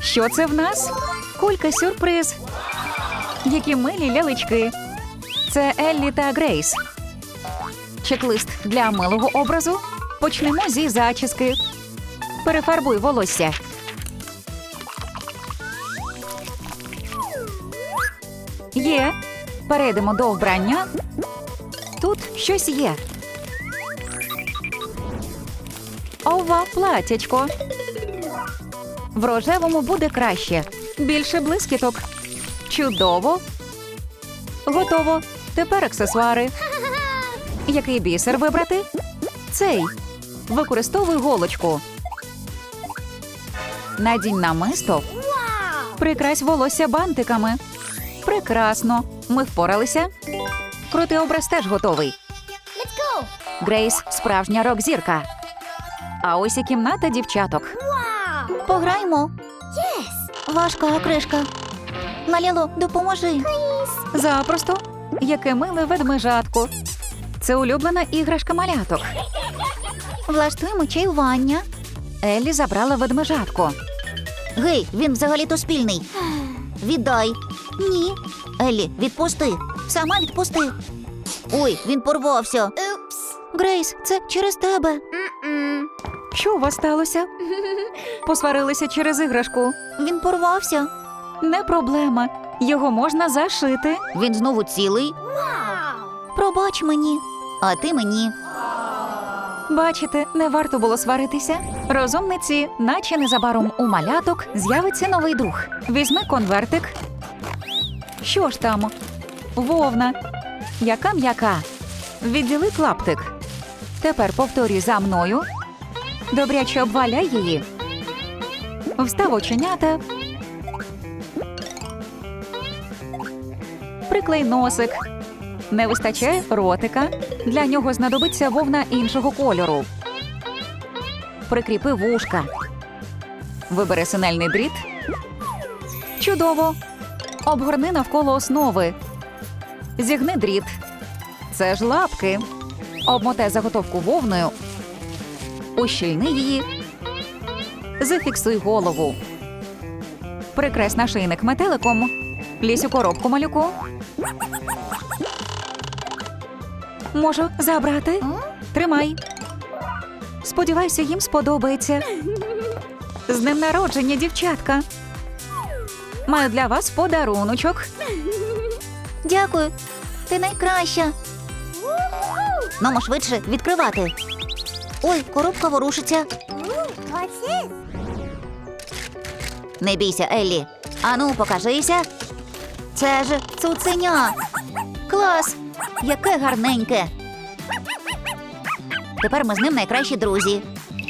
Що це в нас? Кулька-сюрприз. Які милі лялечки. Це Еллі та Грейс. Чек-лист для милого образу. Почнемо зі зачіски. Перефарбуй волосся. Є. Перейдемо до вбрання. Тут щось є. Ова, платячко. В рожевому буде краще. Більше блискіток. Чудово. Готово. Тепер аксесуари. Який бісер вибрати? Цей. Використовуй голочку. Надінь намисто. Прикрась волосся бантиками. Прекрасно. Ми впоралися. Крутий образ теж готовий. Грейс – справжня рок-зірка. А ось і кімната дівчаток. Пограємо. Важка кришка. Лаліло, допоможи. Запросто. Яке миле ведмежатко. Це улюблена іграшка маляток. Влаштуємо чаювання. Еллі забрала ведмежатко. Гей, він взагалі-то спільний. Віддай. Ні. Еллі, відпусти. Сама відпусти. Ой, він порвався. Грейс, це через тебе. Що у вас сталося? Посварилися через іграшку. Він порвався. Не проблема. Його можна зашити. Він знову цілий. Пробач мені. А ти мені. Бачите, не варто було сваритися. Розумниці, наче незабаром у маляток з'явиться новий друг. Візьми конвертик. Що ж там? Вовна. Яка м'яка. Відділи клаптик. Тепер повторюй за мною. Добряче обваляй її. Встав оченята. Приклей носик. Не вистачає ротика. Для нього знадобиться вовна іншого кольору. Прикріпи вушка. Вибери синельний дріт. Чудово. Обгорни навколо основи. Зігни дріт. Це ж лапки. Обмотай заготовку вовною. Ущільни її. Зафіксуй голову. Прикрась нашийник метеликом. Лізь у коробку, малюку. Можу забрати? Тримай. Сподіваюся, їм сподобається. З днем народження, дівчатка. Маю для вас подаруночок. Дякую. Ти найкраща. Мамо, швидше відкривати. Ой, коробка ворушиться. Не бійся, Еллі. Ану, покажися. Це ж цуценя. Клас! Яке гарненьке. Тепер ми з ним найкращі друзі.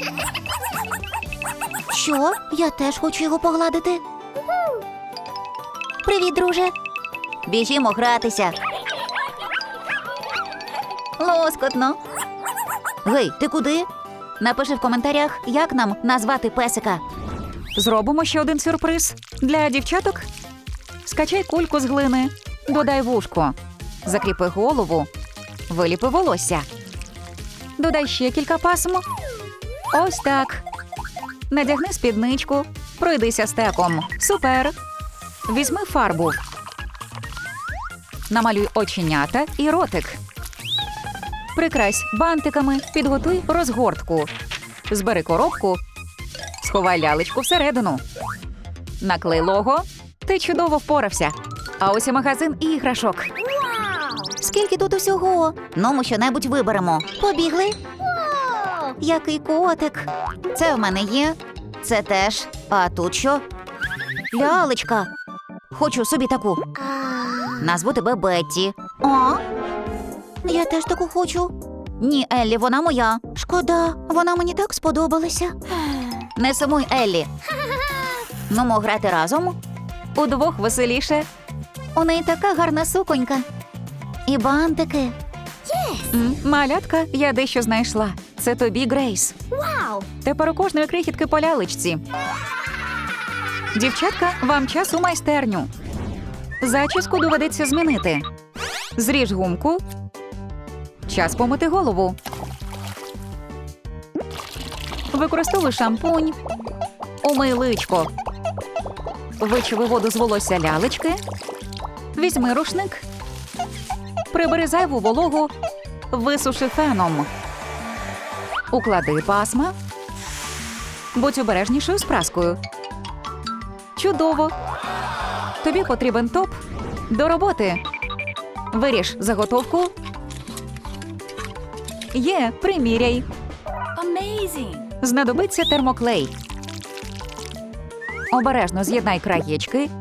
Що? Я теж хочу його погладити. Привіт, друже. Біжімо гратися. Лоскотно. Гей, ти куди? Напиши в коментарях, як нам назвати песика. Зробимо ще один сюрприз. Для дівчаток скачай кульку з глини. Додай вушко. Закріпи голову. Виліпи волосся. Додай ще кілька пасм. Ось так. Надягни спідничку. Пройдися стеком. Супер. Візьми фарбу. Намалюй оченята і ротик. Прикрась бантиками. Підготуй розгортку. Збери коробку. Сховай лялечку всередину. Наклей лого. Ти чудово впорався. А ось і магазин іграшок. Скільки тут усього? Ну, ми що-небудь виберемо. Побігли? Який котик. Це в мене є. Це теж. А тут що? Лялечка. Хочу собі таку. Назву тебе Бетті. А? Я теж таку хочу. Ні, Еллі, вона моя. Шкода, вона мені так сподобалася. Не сумуй, Еллі. Ну, мо грати разом. Удвох веселіше. У неї така гарна суконька. І бантики. Малятка, я дещо знайшла. Це тобі, Грейс. Тепер у кожної крихітки по лялечці. Дівчатка, вам час у майстерню. Зачіску доведеться змінити. Зріж гумку. Час помити голову. Використовуй шампунь. Умий личко. Вичави воду з волосся лялечки. Візьми рушник. Прибери зайву вологу. Висуши феном. Уклади пасма. Будь обережнішою з праскою. Чудово! Тобі потрібен топ. До роботи. Виріж заготовку. Є, приміряй. Знадобиться термоклей. Обережно з'єднай краєчки.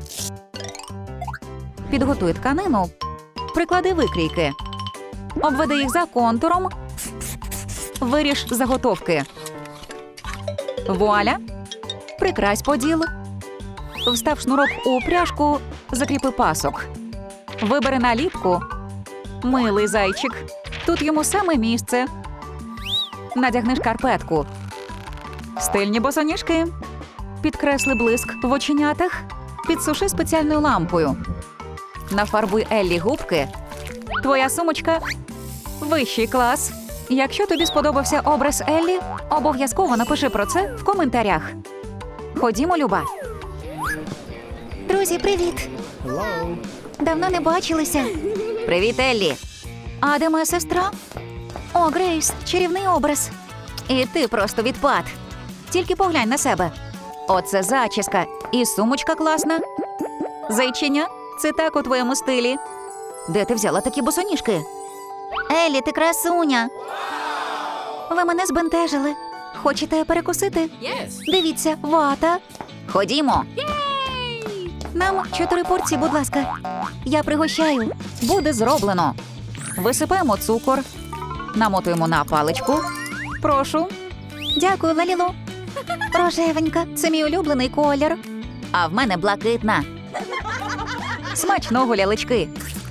Підготуй тканину. Приклади викрійки. Обведи їх за контуром. Виріж заготовки. Вуаля! Прикрась поділ. Встав шнурок у пряжку, закріпи пасок. Вибери наліпку. Милий зайчик. Тут йому саме місце. Надягни шкарпетку. Стильні босоніжки. Підкресли блиск в оченятах. Підсуши спеціальною лампою. Нафарбуй Еллі губки. Твоя сумочка – вищий клас. Якщо тобі сподобався образ Еллі, обов'язково напиши про це в коментарях. Ходімо, Люба. Друзі, привіт! Давно не бачилися. Привіт, Еллі. А де моя сестра? О, Грейс, чарівний образ. І ти просто відпад. Тільки поглянь на себе. Оце зачіска. І сумочка класна. Зайчиня, це так у твоєму стилі. Де ти взяла такі босоніжки? Еллі, ти красуня. Ви мене збентежили. Хочете перекусити? Дивіться, вата. Ходімо. Нам 4 порції, будь ласка. Я пригощаю. Буде зроблено. Висипаємо цукор. Намотуємо на паличку. Прошу. Дякую, Лалілу. Рожевенька, це мій улюблений колір. А в мене блакитна. Смачного, лялечки.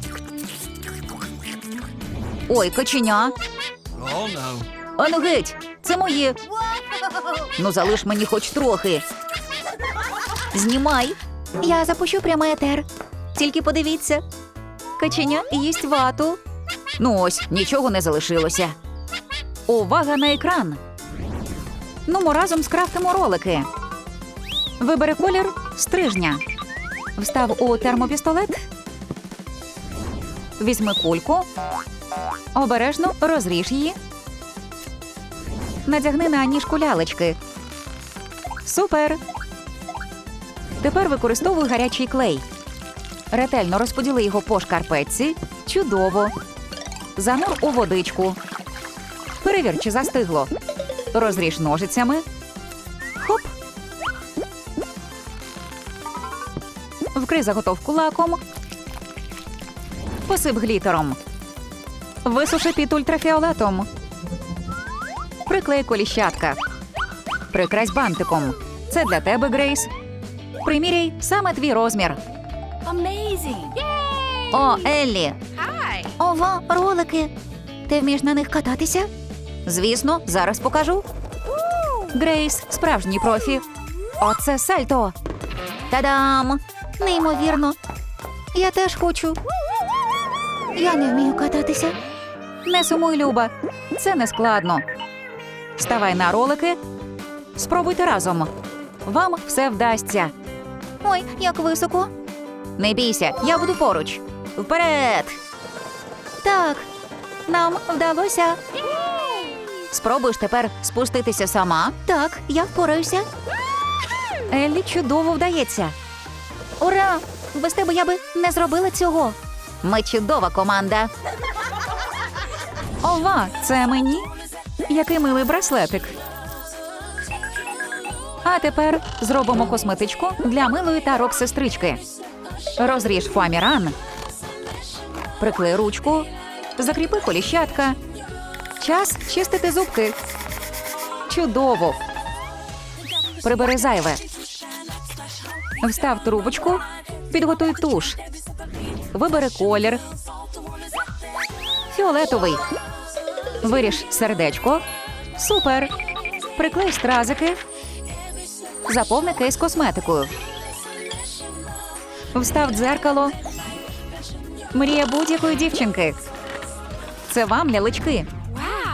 Ой, каченя. Ану геть, це моє. Ну залиш мені хоч трохи. Знімай. Я запущу прямий етер. Тільки подивіться. Каченя їсть вату. Ну ось, нічого не залишилося. Увага на екран. Ну, ми разом скрафтимо ролики. Вибери колір стрижня. Встав у термопістолет. Візьми кульку. Обережно розріж її. Надягни на ніжку лялечки. Супер! Тепер використовуй гарячий клей. Ретельно розподіли його по шкарпетці. Чудово. Занур у водичку. Перевір, чи застигло. Розріж ножицями. Хоп. Вкрий заготовку лаком. Посип глітером. Висуши під ультрафіолетом. Приклей коліщатка. Прикрась бантиком. Це для тебе, Грейс. Приміряй саме твій розмір. О, Еллі. Ова, ролики. Ти вмієш на них кататися? Звісно, зараз покажу. Грейс – справжній профі. Оце сальто. Та-дам! Неймовірно. Я теж хочу. Я не вмію кататися. Не сумуй, Люба. Це не складно. Ставай на ролики. Спробуйте разом. Вам все вдасться. Ой, як високо. Не бійся, я буду поруч. Вперед! Так, нам вдалося. Спробуєш тепер спуститися сама? Так, я впораюся. Еллі чудово вдається. Ура! Без тебе я би не зробила цього. Ми чудова команда. Ова, це мені? Який милий браслетик. А тепер зробимо косметичку для милої та рок-сестрички. Розріж фоаміран. Приклей ручку. Закріпи коліщатка. Час чистити зубки. Чудово. Прибери зайве. Встав трубочку. Підготуй туш. Вибери колір. Фіолетовий. Виріж сердечко. Супер. Приклей стразики. Заповни кейс косметикою. Встав дзеркало. Мрія будь-якої дівчинки. Це вам, лялечки.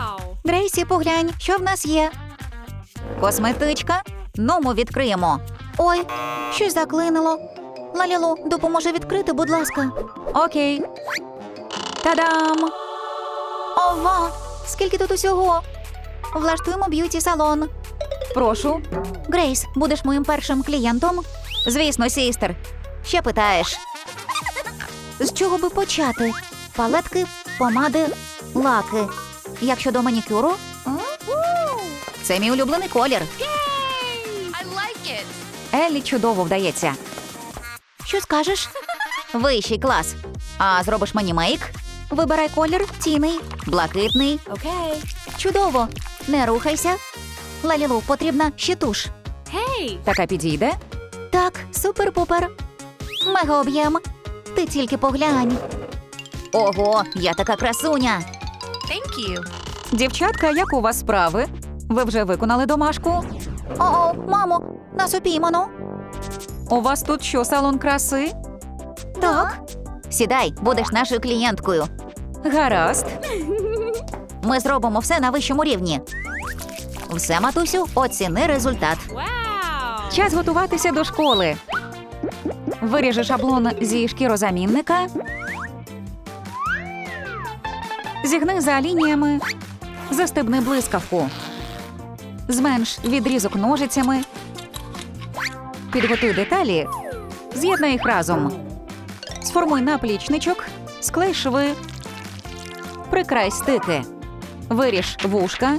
Грейсі, поглянь, що в нас є. Косметичка. Ну, ми відкриємо. Ой, щось заклинило. Лалілу, допоможи відкрити, будь ласка. Окей. Та-дам! Ова, скільки тут усього? Влаштуємо б'юті-салон. Прошу. Грейс, будеш моїм першим клієнтом? Звісно, сістер. Ще питаєш. З чого би почати? Палетки, помади, лаки. Як щодо манікюру? Це мій улюблений колір. Еллі чудово вдається. Що скажеш? Вищий клас. А зробиш мені мейк? Вибирай колір тіний, блакитний. Окей. Чудово. Не рухайся. Лалілу, потрібна ще туш. Така підійде? Так, супер-пупер. Мега об'єм. Ти тільки поглянь. Ого, я така красуня. Дівчатка, як у вас справи? Ви вже виконали домашку? О, мамо, нас упіймано. У вас тут що, салон краси? Так. Сідай, будеш нашою клієнткою. Гаразд. Ми зробимо все на вищому рівні. Все, матусю, оціни результат. Час готуватися до школи. Виріжи шаблон зі шкірозамінника. Зігни за лініями. Застебни блискавку. Зменш відрізок ножицями. Підготуй деталі. З'єднай їх разом. Сформуй наплічничок. Склей шви. Прикрай стики. Виріж вушка.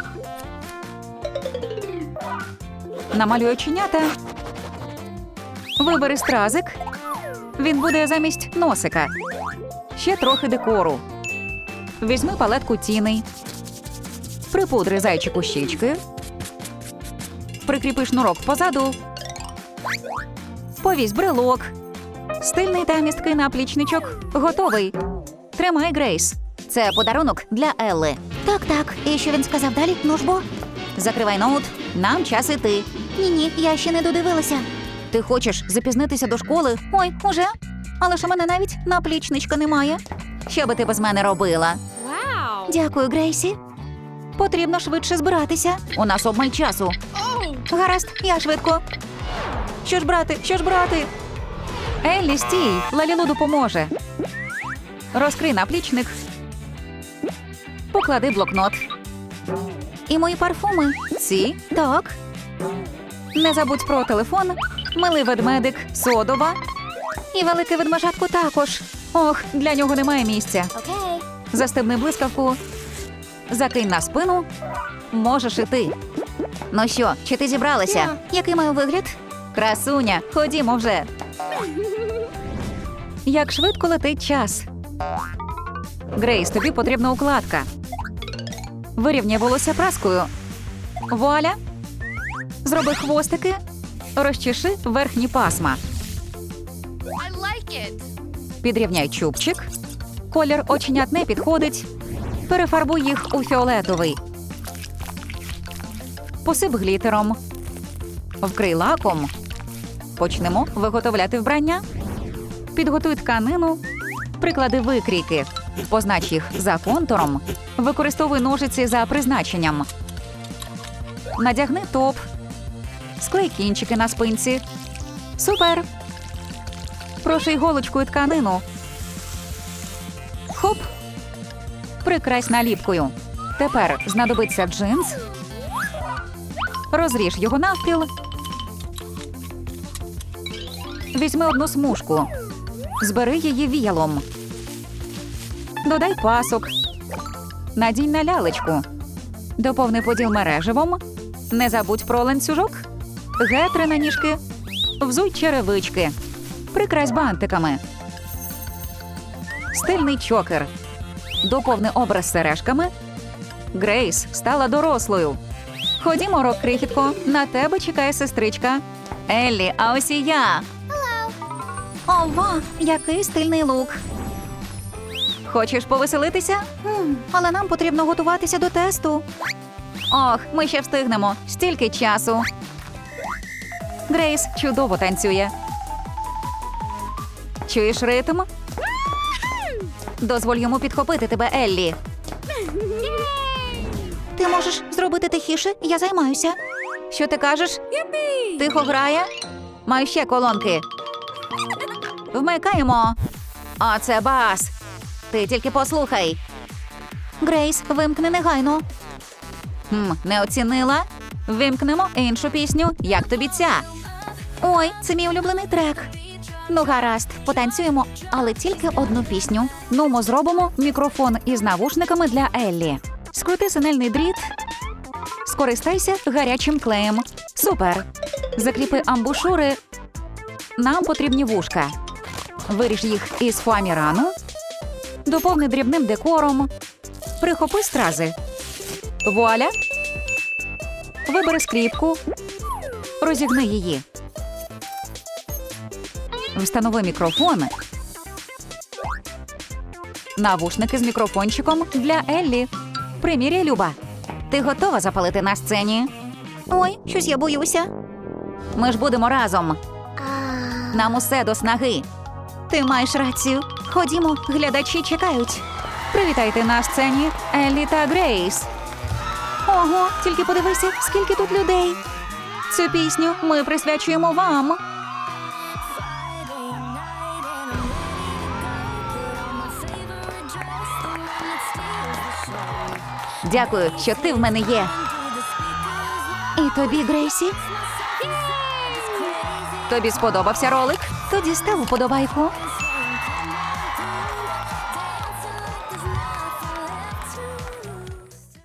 Намалюй оченята. Вибери стразик. Він буде замість носика. Ще трохи декору. Візьми палетку тіней. Припудри зайчику щічки. Прикріпи шнурок позаду. Повісь брелок. Стильний та місткий наплічничок. Готовий. Тримай, Грейс. Це подарунок для Елли. Так. І що він сказав далі? Ну ж бо? Закривай ноут. Нам час іти. Ні, я ще не додивилася. Ти хочеш запізнитися до школи? Ой, уже? Але ж у мене навіть наплічничка немає. Що би ти без мене робила? Дякую, Грейсі. Потрібно швидше збиратися. У нас обмаль часу. Гаразд, я швидко. Що ж брати? Еллі, стій, Лалілу допоможе. Розкрий наплічник. Поклади блокнот. І мої парфуми. Ці. Так. Не забудь про телефон. Милий ведмедик, содова. І велике ведмежатко також. Ох, для нього немає місця. Окей. Застебни блискавку. Закинь на спину. Можеш іти. Ну що, чи ти зібралася? Який маю вигляд? Красуня, ходімо вже. Як швидко летить час. Грейс, тобі потрібна укладка. Вирівняй волосся праскою. Вуаля. Зроби хвостики. Розчеши верхні пасма. Підрівняй чубчик. Колір оченят не підходить. Перефарбуй їх у фіолетовий. Посип глітером. Вкрий лаком. Почнемо виготовляти вбрання. Підготуй тканину. Приклади викрійки. Познач їх за контуром. Використовуй ножиці за призначенням. Надягни топ. Склей кінчики на спинці. Супер! Проший голочкою тканину. Хоп! Прикрась наліпкою. Тепер знадобиться джинс. Розріж його навпіл. Візьми одну смужку. Збери її віялом. Додай пасок. Надінь на лялечку. Доповни поділ мереживом. Не забудь про ланцюжок. Гетри на ніжки. Взуй черевички. Прикрась бантиками. Стильний чокер. Доповни образ сережками. Грейс стала дорослою. Ходімо, рок-крихітко. На тебе чекає сестричка. Еллі, а ось і я. Ова, який стильний лук. Хочеш повеселитися? Але нам потрібно готуватися до тесту. Ох, ми ще встигнемо. Стільки часу. Грейс чудово танцює. Чуєш ритм? Дозволь йому підхопити тебе, Еллі. Ти можеш зробити тихіше, я займаюся. Що ти кажеш? Тихо грає? Маю ще колонки. Вмикаємо. А це бас. Ти тільки послухай. Грейс, вимкни негайно. Не оцінила? Вимкнемо іншу пісню. Як тобі ця? Ой, це мій улюблений трек. Ну, гаразд, потанцюємо, але тільки одну пісню. Нумо зробимо мікрофон із навушниками для Еллі. Скрути синельний дріт. Скористайся гарячим клеєм. Супер! Закріпи амбушури. Нам потрібні вушка. Виріж їх із фоамірану. Доповни дрібним декором. Прихопи стрази. Вуаля! Вибери скріпку. Розігни її. Встанови мікрофон. Навушники з мікрофончиком для Еллі. Приміряй, Люба. Ти готова запалити на сцені? Ой, щось я боюся. Ми ж будемо разом. Нам усе до снаги. Ти маєш рацію. Ходімо, глядачі чекають. Привітайте на сцені Еллі та Грейс. Ого, тільки подивися, скільки тут людей. Цю пісню ми присвячуємо вам. Дякую, що ти в мене є. І тобі, Грейсі? Тобі сподобався ролик? Тоді став уподобайку.